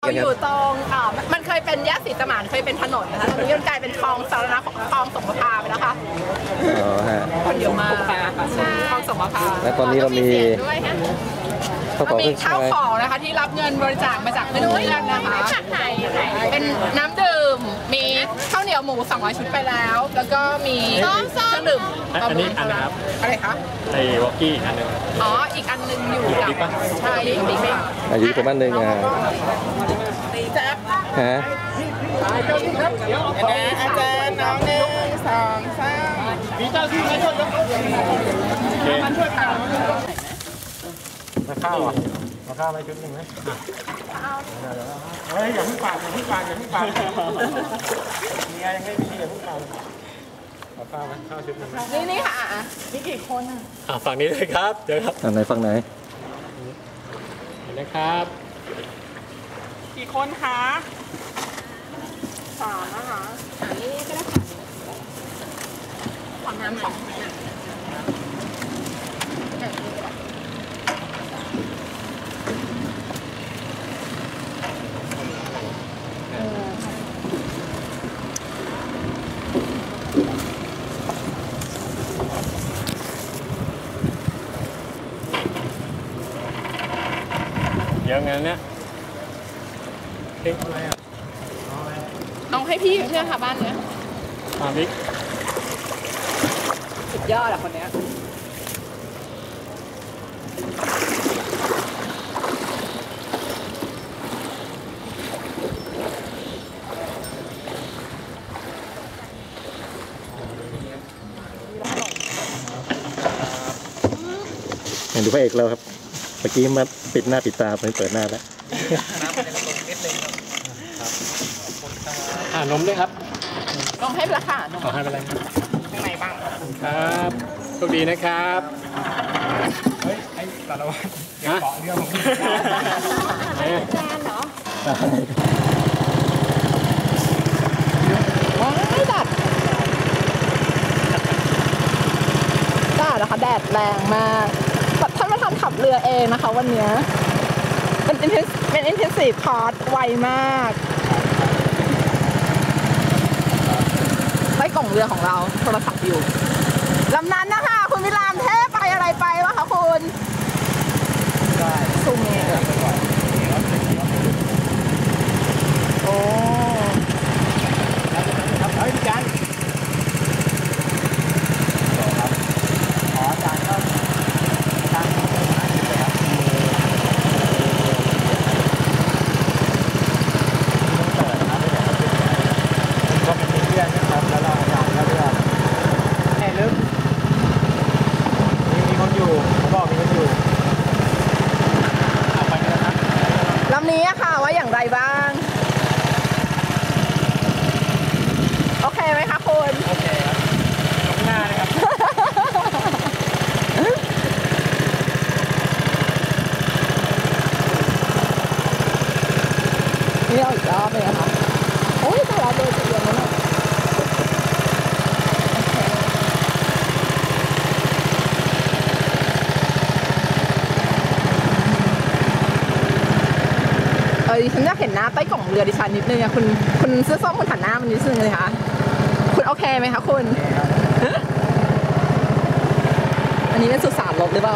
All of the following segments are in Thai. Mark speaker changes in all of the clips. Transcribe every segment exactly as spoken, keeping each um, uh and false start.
Speaker 1: กันครับอยู่ตรงอ่ามันเคยเป็นแยกศรีสมานเคยเป็นถนนนะคะตอนนี้มันกลายเป็นคลองสาธารณะของคลองสงขลาไปแล้วค่ะ
Speaker 2: อ๋อฮะ
Speaker 1: คนเยอะมากใช่คลองสงขลา
Speaker 2: และตอนนี้เรามี
Speaker 1: เรามีข้าวของนะคะที่รับเงินบริจาคมาจากเพื่อนๆนะคะเป็นน้ำดื่มมีข้าวเหนียวหมูสองร้อยชุดไปแล้วแล้วก็มีเครื่องดื่ม
Speaker 3: อันนี้อันนะครับ
Speaker 1: อะไรคะ
Speaker 3: ไอ้วอกกี้อันนึง
Speaker 1: อ๋ออีกอันนึงอยู่กับใช่บิ๊กบิ๊กบิ๊ก
Speaker 2: อายุประมาณนึงอ่ะฮะ
Speaker 1: อาจารย์น้องหนึ่งสองสามมีเจ้าที่มาช่วยยกมาช่วยข่าว
Speaker 3: มาข้าวอ่ะมาข้าวไม่ชุดหนึ่งไหมเฮ้ยอย่าเพิ่งปากอย่าเพิ่งปากอย่าเพิ่งปากมีอะไรยังไม่มีอย่าเพิ่งปากมาข้าวไหมข้าวชุดหนึ่ง
Speaker 1: นี่นี่ค่ะนี่กี่คนอ่ะ
Speaker 3: อ่ะฝั่งนี้เลยครับเดี๋ยวครับ
Speaker 2: ฝั่งไหนฝั่งไหน
Speaker 3: เห็นไหมครับ
Speaker 1: กี่คนคะสามนะคะอันนี้ก็ได้ค่ะขอน้ำสอง
Speaker 3: เยอะงั้นเนี่ยเอ๊ะอะไรอ่ะ
Speaker 1: เอาให้พี่เพื่อนค่ะบ้านเนี้ย
Speaker 3: มาบิ๊ก
Speaker 1: สุดยอดอะคนเนี้ย
Speaker 2: เห็นดูพระเอกเราครับเมื่อกี้มาปิดหน้าปิดตาไปเปิดหน้าแล้ว
Speaker 3: อ่านมด้วยครับ
Speaker 1: นมให้ราคานม
Speaker 3: ขอให้เป็นไร
Speaker 1: ข้างในบ้าง
Speaker 3: ครับโชคดีนะครับ
Speaker 4: เฮ้ยไอ้สารวัตรเกาะเรื่องของพี่
Speaker 1: แจนเหรอว้ายดัดดัดนะคะแดดแรงมากท่านประธานขับเรือเองนะคะวันนี้เป็นเป็น intensive course ไวมากใต้กล่องเรือของเราโทรศัพท์อยู่ลำนั้นนะคะคุณวิรามเทพไปอะไรไปวะคะคุณซูมเองโอ้
Speaker 4: ครับเฮ้ยพี่จันขอจานก็จานก็เป็นห้าสิบเลยครับก็เป็นเพื่อนนะครับแล้วเราอยากเลือกแค่ลึกมีมีคนอยู่เขาบอกมีคนอยู่เอาไปกันนะครับ
Speaker 1: ลำนี้ค่ะว่าอย่างไรบ้างโอเคไหมคะคุณ
Speaker 4: โอเคครับหน้าเลยครับ
Speaker 1: นี่เอาอีกรอบเลยนะคะโอ้ยแต่ละเดือนจะเดือนแล้วเนี่ยเออดิฉันอยากเห็นหน้าใต้กล่องเรือดิฉันนิดนึงอะคุณคุณเสื้อส้มคุณหันหน้ามันนิดนึงเลยค่ะคุณโอเคไหมคะคุณอันนี้เป็นสุสานลบหรือเปล่า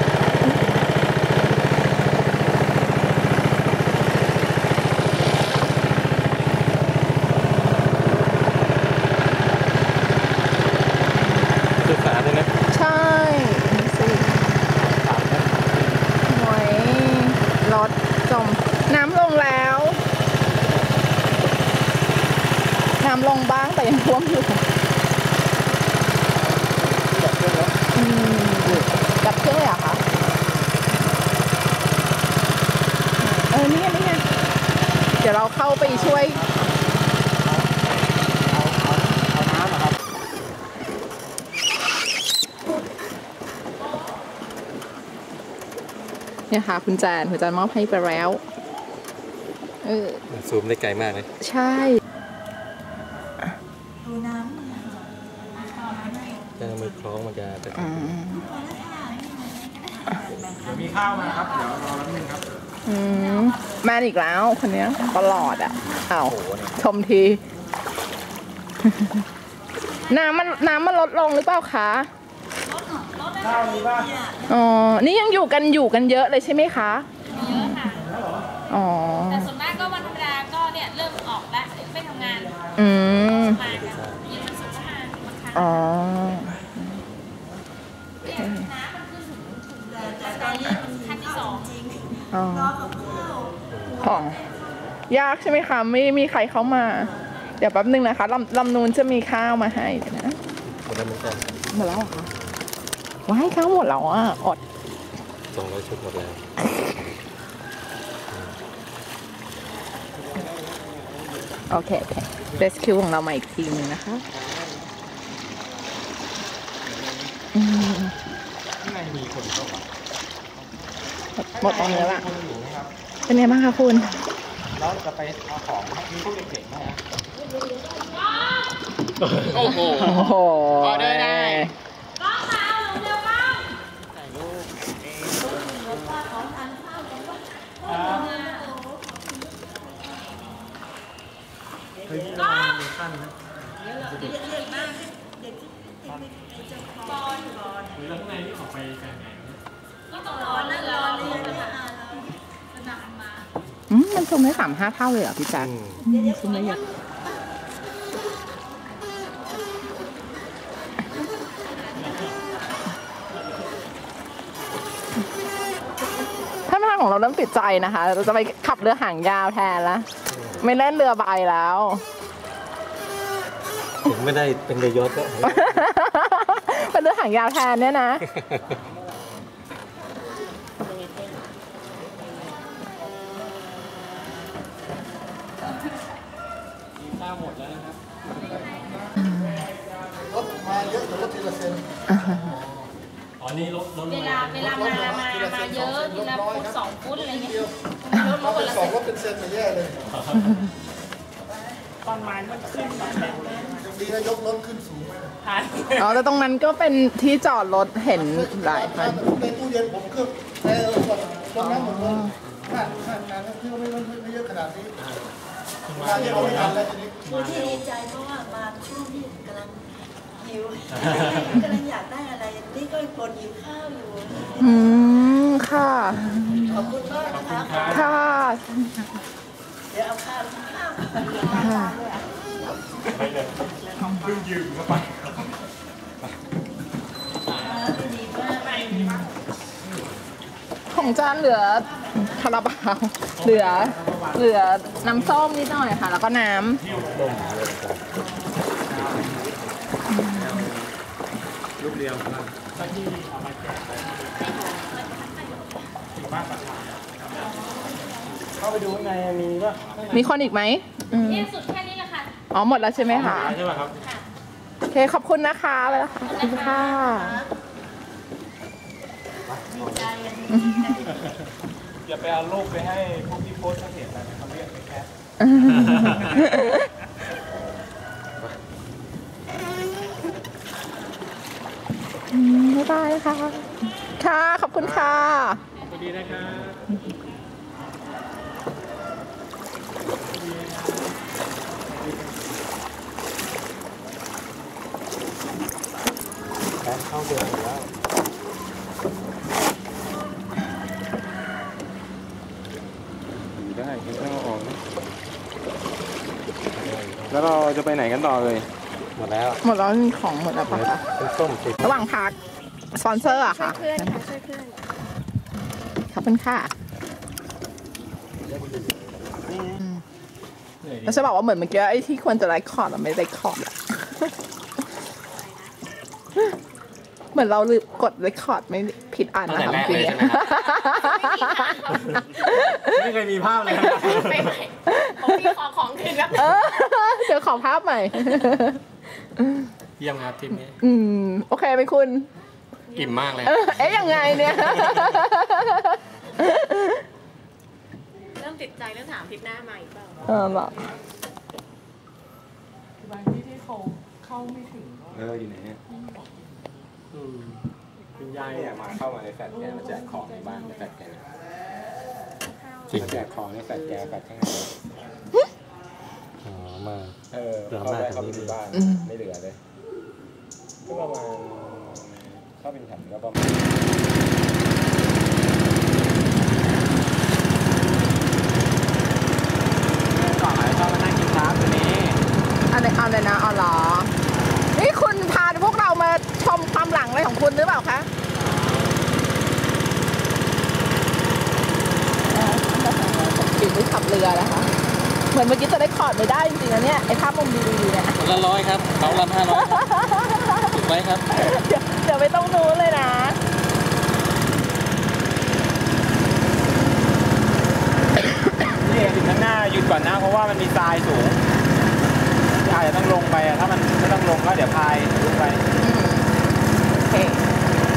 Speaker 3: สุสานเลยนะ
Speaker 1: ใช่สิหวยรถจมน้ำลงแล้วน้ำลงบ้างแต่ยังท่วมอยู่ดับเครื่องเลยเหรอคะเออนี่ไงนี่ไงเดี๋ยวเราเข้าไปช่วย
Speaker 4: เอาน้ำครับ
Speaker 1: เนี่ยค่ะคุณแจนคุณแจนมอบให้ไปแล้วเออ
Speaker 2: ซูมได้ไกลมากเลย
Speaker 1: ใช่
Speaker 2: ดูน้ำจะมือคล้องมันจะเดี๋
Speaker 4: ยวมีข้าวมาครับเดี๋ยวรอแป๊บนึงครับ
Speaker 1: อืมแมนอีกแล้วคนเนี้ยตลอดอ่ะอ้าวชมที น้ำมันน้ำมันลดลงหรือเปล่าคะข้าวนี้ป่ะอ๋อนี่ยังอยู่กันอยู่กันเยอะเลยใช่ไหมคะ
Speaker 5: เยอะค่ะ
Speaker 1: อ๋อ
Speaker 5: แต่ส่วนมากก็วันธรรมดาก็เนี่ยเริ่มออกแล้วไม่ทำงาน
Speaker 1: อืม
Speaker 5: มากันเย็นวันศุกร์ก็มาบางครั้ง
Speaker 1: อ๋อ
Speaker 5: เนี่ยน้ำมันขึ้นถึงแต่ตอนนี้มันขั้นที่สองจริง
Speaker 1: อ๋อของยากใช่ไหมคะไม่มีใครเข้ามาเดี๋ยวแป๊บนึงนะคะลำลำนูนจะมีข้าวมาให้นะ
Speaker 2: หมดแล้วเหมือนกัน
Speaker 1: หมดแล้วเหรอคะว้ายข้าวหมดแล้วอ่ะอด
Speaker 2: สองร้อยชุดหมดแล้ว
Speaker 1: โอเคโอเคเรสคิวของเรามาอีกทีนึงนะคะ
Speaker 3: ไม่มีคนเข้ามา
Speaker 1: หมดตรงนี้ละเป็นไงบ้างคะคุณ
Speaker 3: แล้วจะไปเอาของมีพวกเด็กๆไหมฮะ
Speaker 1: โอ้โหออเดอร์ได้
Speaker 5: ก้องมาเอาเร็วก้อง
Speaker 3: ถ่ายรูปเฮ้ยนี่เรามีขั้นนะเด็กๆมากเด็กที่จะบอลบอลหรือแล้วข้างในที่ออกไปแข่ง
Speaker 5: ก็ต้องรอนั่งรอเรียนนะคะสนามมา
Speaker 1: อืมมันชมได้สามห้าเท่าเลยเหรอพี่แจ๊คชมได้เยอะท่านประธานของเราเริ่มติดใจนะคะเราจะไปขับเรือหางยาวแทนละไม่เล่นเรือใบแล้ว
Speaker 2: ถึงไม่ได้เป็นเรือยอชต์ก็
Speaker 1: เป็นเรือหางยาวแทนเนี่ยนะ
Speaker 3: ข้าวหมดแล้วนะครับ
Speaker 6: รถมาเยอะแต่รถทีละเซน
Speaker 3: อ๋อนี่รถรถ
Speaker 5: เวลาเวลามามามาเยอะทีละฟุตสองฟุตอะไรเงี้ยรถรถคนละ
Speaker 6: สองรถเป็นเซนมาแย่เลย
Speaker 5: ตอนไม้มันขึ้นแบบ
Speaker 6: ดีนะยกรถขึ้นสูง
Speaker 1: อ๋อแต่ตรงนั้นก็เป็นที่จอดรถเห็นหลายคัน
Speaker 6: ในตู้เย็นผมเครื่องแต่เออก่อนตรงนั้นหมดเลยขาดขาดงานที่ไม่ไม่เยอะขนาดนี้งานที่เราไม่ทันแล้วทีนี้
Speaker 7: คือที่ดีใจเพราะว่ามาช่วงที่กำลังหิวกำลังอยากได้อะไรนี่ก็ปวดหิวข้าวอยู่
Speaker 1: อืมค่ะ
Speaker 7: ขอบคุณมากนะคะ
Speaker 1: ค่ะ
Speaker 7: เดี๋ยวเอาข้าวข้าว
Speaker 1: ค่ะ
Speaker 3: ไปเลยเพิ่งยืมเข้าไป
Speaker 1: ของจานเหลือคาราบาวเหลือเหลือน้ำส้มนิดหน่อยค่ะแล้วก็น้ำ
Speaker 3: ลูกเดียวครับที่เอามาแจกถึงบ้านประชาเข้าไปดูข้างในมีป่ะ
Speaker 1: มีคนอีกไหม
Speaker 5: เนี่ยสุดแค่นี้แหละค่ะ
Speaker 1: อ๋อหมดแล้วใช่ไหมคะ
Speaker 3: ใช่ไหมครับ
Speaker 1: โอเคขอบคุณนะคะไปแล้วค่ะขอบคุณค่ะ
Speaker 3: อย่าไปเอารูปไปให้พวกที่โพสต์เขาเห็นนะเขาเรียกไปแคป
Speaker 1: บ๊ายบายค่ะค่ะขอบคุณค่ะ
Speaker 3: สวัสดีนะครับเข้าเดือนแล้วได้กินข้าวออกแล้วเราจะไปไหนกันต่อเลยหมดแล้ว
Speaker 1: หมดแล้วของหมดแล้วปะคะ
Speaker 2: ส้มติด
Speaker 1: ระหว่างพักสปอนเซอร์อะค่ะ
Speaker 5: ช่วยเพื่อนค่ะช่วยเพื่อน
Speaker 1: ขอบคุณค่ะแล้วจะบอกว่าเหมือนเมื่อกี้ไอ้ที่ควรจะไลค์คอร์ดอะไม่ไลค์คอร์ดอะเหมือนเราลืมกดเรคคอร์ดไม่ผิดอันนะคะ
Speaker 3: พี่ไม่เคยมีภาพเลย
Speaker 5: ไม่ไม่ผมมีขอของคืนครับ
Speaker 1: เดี๋ยวขอภาพใหม่
Speaker 3: เยี่ยมครับทีมนี้
Speaker 1: อืมโอเคไหมคุณ
Speaker 3: อิ่มมากเลย
Speaker 1: เอ๊ะยังไงเนี่ย
Speaker 5: เริ่มติดใจเรื่องถามทิศหน้ามาอีกเปล่า
Speaker 1: เออหร
Speaker 3: อบางที่ที่เขาเข้าไม่ถึงเอออยู่ไหนเนี่ยคุณยายเนี่ยมาเข้ามาในแฟลตแกมาแจกของในบ้านในแฟลตแก
Speaker 2: จริง
Speaker 3: แจกของในแฟลชแจกแฟลชข้างใน
Speaker 2: อ๋อมา
Speaker 3: เออ
Speaker 2: เหลือ
Speaker 3: เข้าไป
Speaker 2: มาก
Speaker 3: เข้าไป
Speaker 2: กว่านี้
Speaker 3: ดูบ้าน
Speaker 1: อืม
Speaker 3: ไม่เหลือเลยก็ประมาณถ้าเป็นแผ่นก็ประมาณ
Speaker 4: ก่อนชอบมานั่งกินน้ำตัวนี้
Speaker 1: อันไหนเอาเลยนะอ๋อเหรอนี่คุณพาพวกเรามาชมความหลังอะไรของคุณหรือเปล่าคะปีนด้วยขับเรือนะคะ เหมือนเมื่อกี้จะได้คอร์ดไม่ได้จริงๆนะเนี่ยไอ้ภาพมุมดีๆเนี่ย
Speaker 2: คนละร้อยครับเขาละห้าร้อยถูกไหมครับ
Speaker 1: เดี๋ยวเดี๋ยวไม่ต้องนู้นเลยนะ
Speaker 4: นี่ถึงข้างหน้าหยุดก่อนนะเพราะว่ามันมีทรายสูงอาจจะต้องลงไปอะถ้ามันไม่ต้องลงก็เดี๋ยวพายลงไป
Speaker 1: อืมโอเค